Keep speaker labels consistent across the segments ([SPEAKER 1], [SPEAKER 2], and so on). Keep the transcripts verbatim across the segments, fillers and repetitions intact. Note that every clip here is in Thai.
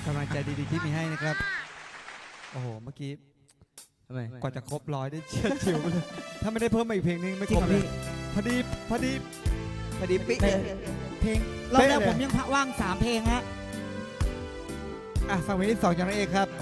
[SPEAKER 1] กำลังใจดีๆที่มีให้นะครับโอ้โหเมื่อกี้
[SPEAKER 2] ทำไม
[SPEAKER 1] กว่าจะครบร้อยได้เชียดชิวเลยถ้าไม่ได้เพิ่มมาอีกเพลงนึงไม่ครบเลยพอดีพอดี
[SPEAKER 2] พอดีปิ๊ก
[SPEAKER 3] เพลงรอบแรกผมยังว่างสามเพลงฮะ
[SPEAKER 1] อ่ะฟังเพลงที่สองจากนางเอกครับ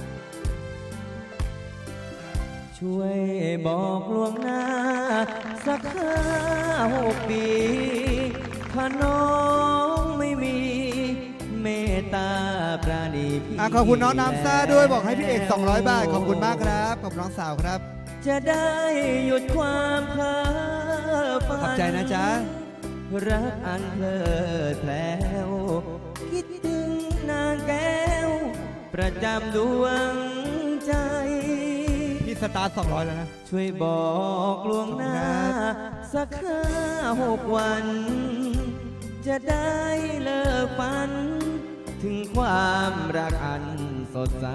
[SPEAKER 2] ช่วยบอกล่วงหน้าสักห้าหกปีถ้าน้องไม่มีเมตตาปราณีพี่
[SPEAKER 1] อ่ะขอบคุณน้องน้ำซ่าด้วยบอกให้พี่เอกสองร้อยบาทขอบคุณมากครับขอบน้องสาวครับ
[SPEAKER 2] จะได้หยุดความเพ้อฝัน
[SPEAKER 1] ขอบใจนะจ๊ะ
[SPEAKER 2] รักอันเพลิดเพล้วคิดถึงนางแก้วประจำดวงใจ
[SPEAKER 1] พี่สตาร์ทสองร้อยแล้วนะ
[SPEAKER 2] ช่วยบอกล่วงหน้าสักห้าหกวันจะได้เลิกฝันถึงความรักอันสดใส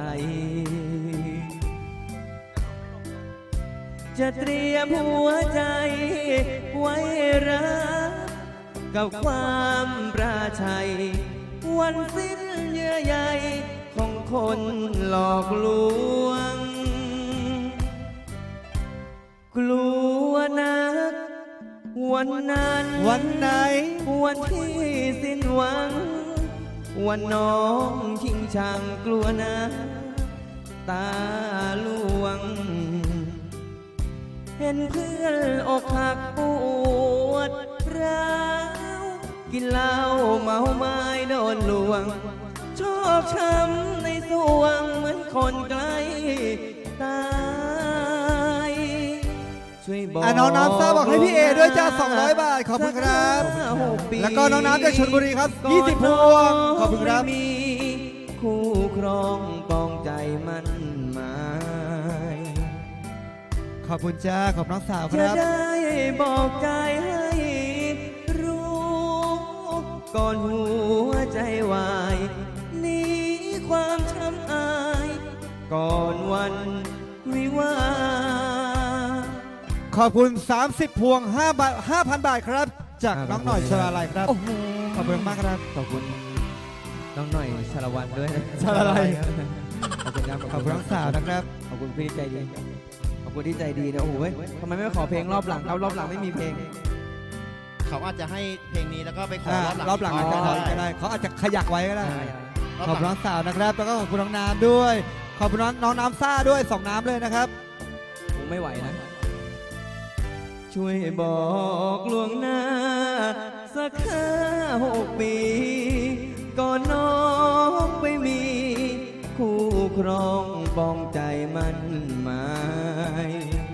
[SPEAKER 2] จะเตรียมหัวใจไว้รักกับความปราชัยวันสิ้นเยื่อใยของคนหลอกลวงกลัวนักวันนั้น
[SPEAKER 1] วันไหน
[SPEAKER 2] วันที่สิ้นหวังวันน้องชิงชังกลัวนะตาลวงเห็นเพื่อนอกหักปวดร้าวกินเหล้าเมาไม้โดนลวงชอบช้ำในสวงเหมือนคนใกล้ตายช่วยบอก
[SPEAKER 1] น้องน้ำซ่าบอกให้พี่เอด้วยจ้าสองร้อยบาทขอบคุณครับแล้วก็น้องน้ำจากชลบุรีครับยี่สิบพวงขอบคุณครับ
[SPEAKER 2] มีคู่ครองปองใจมันหมาย
[SPEAKER 1] ขอบคุณจ้าขอบน้องสาวค
[SPEAKER 2] จะ
[SPEAKER 1] รับ
[SPEAKER 2] ได้บอกใจให้รู้ก่อนหัวใจวายหนีความช้ำอายก่อนวันวิวา
[SPEAKER 1] ขอบคุณสามสิบพวงห้าบาทห้าพันบาทครับจากน้องหน่อยชลาลัยครับขอบคุณมากครับ
[SPEAKER 2] ขอบคุณน้องหน่อยชลวันด้วย
[SPEAKER 1] ชลาลัย
[SPEAKER 2] ขอบคุณครับ
[SPEAKER 1] ขอบคุณน้องสาวนะครับ
[SPEAKER 2] ขอบคุณพี่ใจดีขอบคุณที่ใจดีนะโอ้โหทำไมไม่ขอเพลงรอบหลังเอารอบหลังไม่มีเพลง
[SPEAKER 4] เขาอาจจะให้เพลงนี้แล้วก็ไปขอ
[SPEAKER 1] รอบหลังก็ได้เขาอาจจะขยักไว้ก็ได้ขอบคุณน้องสาวนะครับแล้วก็ขอบคุณน้องน้ำด้วยขอบคุณน้องน้ำซ่าด้วยสองน้ำเลยนะครับ
[SPEAKER 2] ผมไม่ไหวนะช่วยบอกล่วงหน้าสักห้าหกปีก่อนน้องไปมีคู่ครองปองใจมันหมาย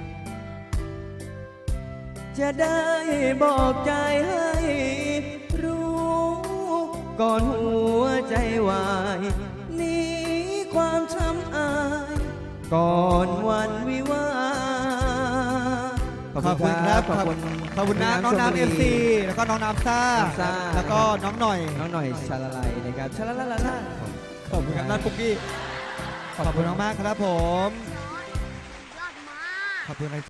[SPEAKER 2] จะได้บอกใจให้รู้ก่อนหัวใจวายหนีความช้ำอายก่อนวันวิวา
[SPEAKER 1] ขอบคุณครับขอบคุณขอบคุณน้องน้ำเอฟซีแล้วก็น้องน้ำซ่าแล้วก็น้องหน่อย
[SPEAKER 2] น้องหน่อยชาลาลัยนะครับชาลาลาลา
[SPEAKER 1] ขอบคุณครับนัทปุ๊กกี้ขอบคุณมากครับผมขอบคุณ